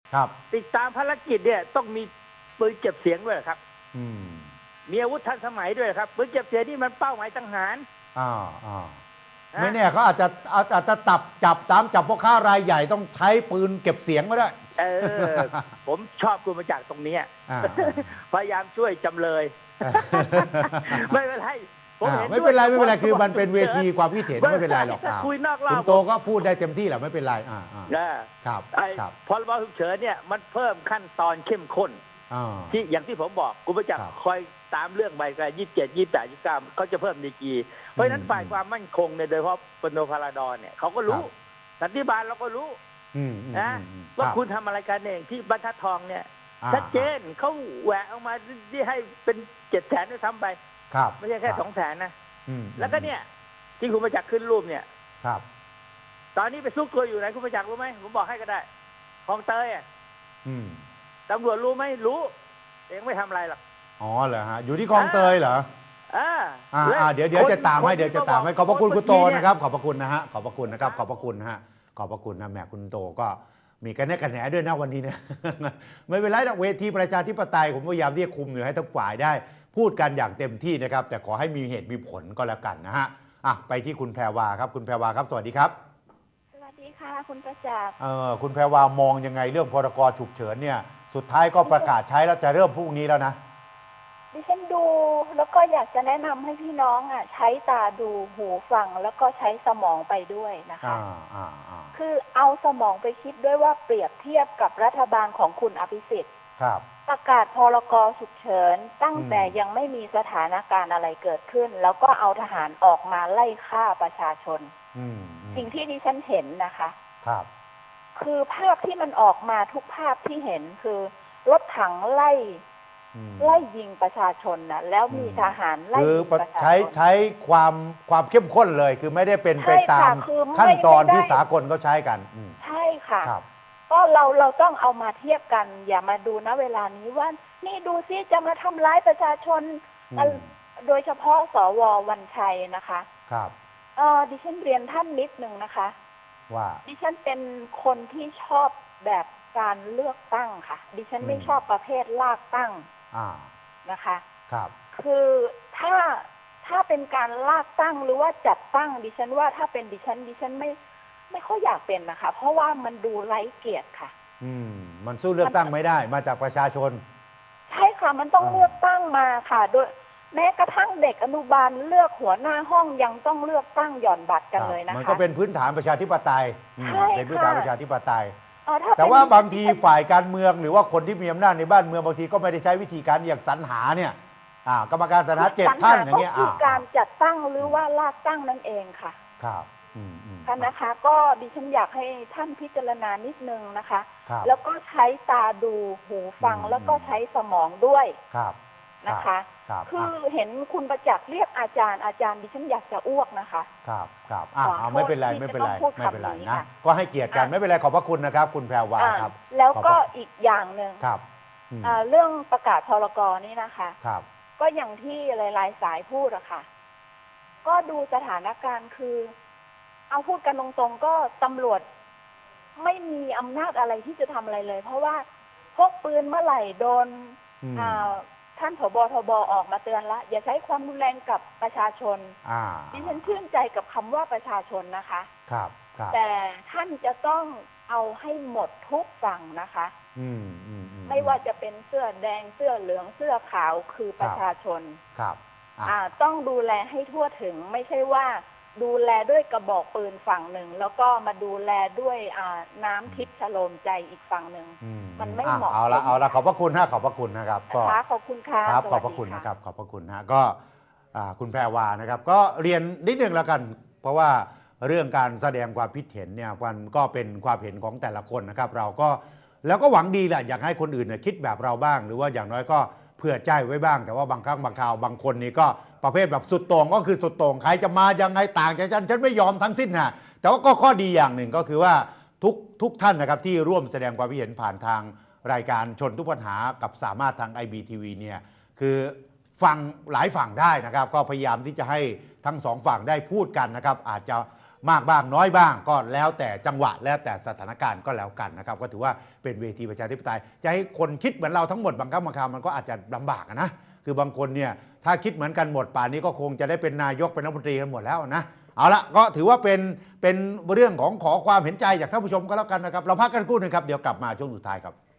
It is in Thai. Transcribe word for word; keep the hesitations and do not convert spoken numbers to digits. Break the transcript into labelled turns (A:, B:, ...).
A: ครับ
B: ติดตามภารกิจเนี่ยต้องมีปืนเก็บเสียงด้วยครับ
A: อืม
B: มีอาวุธทันสมัยด้วยครับปืนเก็บเสียงนี่มันเป้าหมายสังหาร
A: อ่าอ่าไม่แน่เขาอาจจะอาจอาจจะจับจับตามจับพวกค้ารายใหญ่ต้องใช้ปืนเก็บเสียงก็ได้
B: เออผมชอบคุณมาจากตรงนี้พยายามช่วยจำเลยไม่เป็นไร
A: ไม่เป็นไรไม่เป็นไรคือมันเป็นเวทีความคิดเห็นไม่เป็นไรหรอก
B: คุยนอกรอบ
A: คุณโตก็พูดได้เต็มที่แหละไม่เป็นไรอ่า
B: ครับพรบฉุกเฉินเนี่ยมันเพิ่มขั้นตอนเข้มข้นที่อย่างที่ผมบอกคุณประจักษ์คอยตามเรื่องใบกระยี่สิบเจ็ดยี่สิบแปดยี่สิบเก้าเขาจะเพิ่มดีกรีเพราะฉะนั้นฝ่ายความมั่นคงเนี่ยโดยเฉพาะปนพาราดอนเนี่ยเขาก็รู้สันติบาลเราก็รู้นะว่าคุณทำอะไรกันเองที่บรรทัดทองเนี่ยชัดเจนเขาแหวกออกมาที่ให้เป็นเจ็ดแสนด้วยซ้ำไปไม่ใช่แค่สองแสนนะแล้วก็เนี่ยที่คุณประจักษ์ขึ้นรูปเนี่ย
A: ครับ
B: ตอนนี้ไปซุกตัวอยู่ไหนคุณประจักษ์รู้ไหมผมบอกให้ก็ได้คลองเตยอ่ะตำรวจรู้ไหมรู้เองไม่ทำอะไรหรอก
A: อ๋อเหรอฮะอยู่ที่คลองเตยเหรอ
B: อ่า
A: อ่าเดี๋ยวเดี๋ยวจะตามให้เดี๋ยวจะตามให้ขอบพระคุณคุณโตนะครับขอบพระคุณนะฮะขอบพระคุณนะครับขอบพระคุณนะฮะขอบพระคุณนะแม่คุณโตก็มีกันแน่กันแหนด้วยนะวันนี้เนี่ยไม่เป็นไรนะเวทีประชาธิปไตยผมพยายามที่จะคุมอยู่ให้ทั้งฝ่ายได้พูดกันอย่างเต็มที่นะครับแต่ขอให้มีเหตุมีผลก็แล้วกันนะฮะอ่ะไปที่คุณแพรวาครับคุณแพรวาครับสวัสดีครับ
C: สวัสดีค่ะคุณประจักษ์
A: เออคุณแพรวามองยังไงเรื่องพรกฉุกเฉินเนี่ยสุดท้ายก็ประกาศใช้แล้วจะเริ่มพรุ่งนี้แล้วนะ
C: ดิฉันดูแล้วก็อยากจะแนะนำให้พี่น้องอ่ะใช้ตาดูหูฟังแล้วก็ใช้สมองไปด้วยนะคะคือเอาสมองไปคิดด้วยว่าเปรียบเทียบกับรัฐบาลของคุณอภิสิทธิ์ประกาศพรกฉุกเฉินตั้งแต่ยังไม่มีสถานการณ์อะไรเกิดขึ้นแล้วก็เอาทหารออกมาไล่ฆ่าประชาชนสิ่งที่ดิฉันเห็นนะคะ
A: ครับ
C: คือภาพที่มันออกมาทุกภาพที่เห็นคือรถถังไล่ไล่ยิงประชาชนนะแล้วมีทหารไล่ยิงประชาชน
A: ใช้ใช้ความความเข้มข้นเลยคือไม่ได้เป็นไปตามขั้นตอนที่สากลเขาใช้กัน
C: ใช่ค่ะก็เราเราต้องเอามาเทียบกันอย่ามาดูนะเวลานี้ว่านี่ดูซิจะมาทำร้ายประชาชนโดยเฉพาะสววันชัยนะคะ
A: ครับ
C: เออดิฉันเรียนท่านนิดนึงนะคะ
A: ว่า
C: ดิฉันเป็นคนที่ชอบแบบการเลือกตั้งค่ะดิฉันไม่ชอบประเภทลากตั้งนะคะ
A: ครับ
C: คือถ้าถ้าเป็นการลากตั้งหรือว่าจัดตั้งดิฉันว่าถ้าเป็นดิฉันดิฉันไม่ไม่ค่อยอยากเป็นนะคะเพราะว่ามันดูไร้เกียรติค่ะ
A: อืมมันสู้เลือกตั้งไม่ได้มาจากประชาชน
C: ใช่ค่ะมันต้องเลือกตั้งมาค่ะโดยแม้กระทั่งเด็กอนุบาลเลือกหัวหน้าห้องยังต้องเลือกตั้งหย่อนบัตรกันเลยนะคะ
A: มันก็เป็นพื้นฐานประชาธิปไตยเป็นพื้นฐานประชาธิปไตยแต่ว่าบางทีฝ่ายการเมืองหรือว่าคนที่มีอำนาจในบ้านเมืองบางทีก็ไม่ได้ใช้วิธีการอย่างสรรหาเนี่ยกรรมการสรรหาเจ็ดท่านอย่างเงี้ย
C: คือการจัดตั้งหรือว่าลากตั้งนั่นเองค่ะ
A: ครับ
C: ค่ะนะคะก็ดิฉันอยากให้ท่านพิจารณานิดนึงนะคะแล้วก็ใช้ตาดูหูฟังแล้วก็ใช้สมองด้วยนะคะคือเห็นคุณประจักษ์เรียกอาจารย์อาจารย์ดิฉันอยากจะอ้วกนะคะ
A: ครับครับอ่าไม่เป็นไรไม่เป็นไรไม่เป็นไรนะก็ให้เกียรติกันไม่เป็นไรขอบพระคุณนะครับคุณแพรวาครับ
C: แล้วก็อีกอย่างหนึ่ง
A: ครับ
C: เรื่องประกาศพรกนี่นะคะ
A: ครับ
C: ก็อย่างที่หลายๆสายพูดอะค่ะก็ดูสถานการณ์คือเอาพูดกันตรงๆก็ตำรวจไม่มีอำนาจอะไรที่จะทำอะไรเลยเพราะว่าพกปืนเมื่อไหร่โดนท่านผบ.ทบ.ออกมาเตือนละอย่าใช้ความรุนแรงกับประชาชนดิฉันชื่นใจกับคำว่าประชาชนนะคะ
A: ครับ
C: แต่ท่านจะต้องเอาให้หมดทุกฝั่งนะคะไม่ว่าจะเป็นเสื้อแดงเสื้อเหลืองเสื้อขาวคือประชาชน
A: ครับ
C: ต้องดูแลให้ทั่วถึงไม่ใช่ว่าดูแลด้วยกระบอกปืนฝั่งหนึ่งแล้วก็มาดูแลด้วยน้ำทิพย์ชโลมใจอีกฝั่งหนึ่งมันไม่เหมาะ
A: เอาละเอาละขอบพระคุณนะขอบพระคุณนะครับ
C: ก็ขอบคุณค่ะ
A: ครับขอบพระคุณนะครับขอบพระคุณนะก็คุณแพรวานะครับก็เรียนนิดนึงแล้วกันเพราะว่าเรื่องการแสดงความคิดเห็นเนี่ยมันก็เป็นความเห็นของแต่ละคนนะครับเราก็แล้วก็หวังดีแหละอยากให้คนอื่นเนี่ยคิดแบบเราบ้างหรือว่าอย่างน้อยก็เผื่อใจไว้บ้างแต่ว่าบางครั้งบางคราวบางคนนี่ก็ประเภทแบบสุดโต่งก็คือสุดโต่งใครจะมายังไงต่างจากฉันฉันไม่ยอมทั้งสิ้นนะแต่ว่าก็ข้อดีอย่างหนึ่งก็คือว่าทุกทุกท่านนะครับที่ร่วมแสดงความคิดเห็นผ่านทางรายการชนทุกปัญหากับสามารถทาง ไอ บี ที วี เนี่ยคือฟังหลายฝั่งได้นะครับก็พยายามที่จะให้ทั้งสองฝั่งได้พูดกันนะครับอาจจะมากบ้างน้อยบ้างก็แล้วแต่จังหวะแล้วแต่สถานการณ์ก็แล้วกันนะครับก็ถือว่าเป็นเวทีประชาธิปไตยจะให้คนคิดเหมือนเราทั้งหมดบางครั้งบางคราวมันก็อาจจะลำบากนะคือบางคนเนี่ยถ้าคิดเหมือนกันหมดป่านนี้ก็คงจะได้เป็นนายกเป็นรัฐมนตรีกันหมดแล้วนะเอาละก็ถือว่าเป็นเป็นเรื่องของขอความเห็นใจจากท่านผู้ชมก็แล้วกันนะครับเราพักกันครู่หนึงครับเดี๋ยวกลับมาช่วงสุดท้ายครับ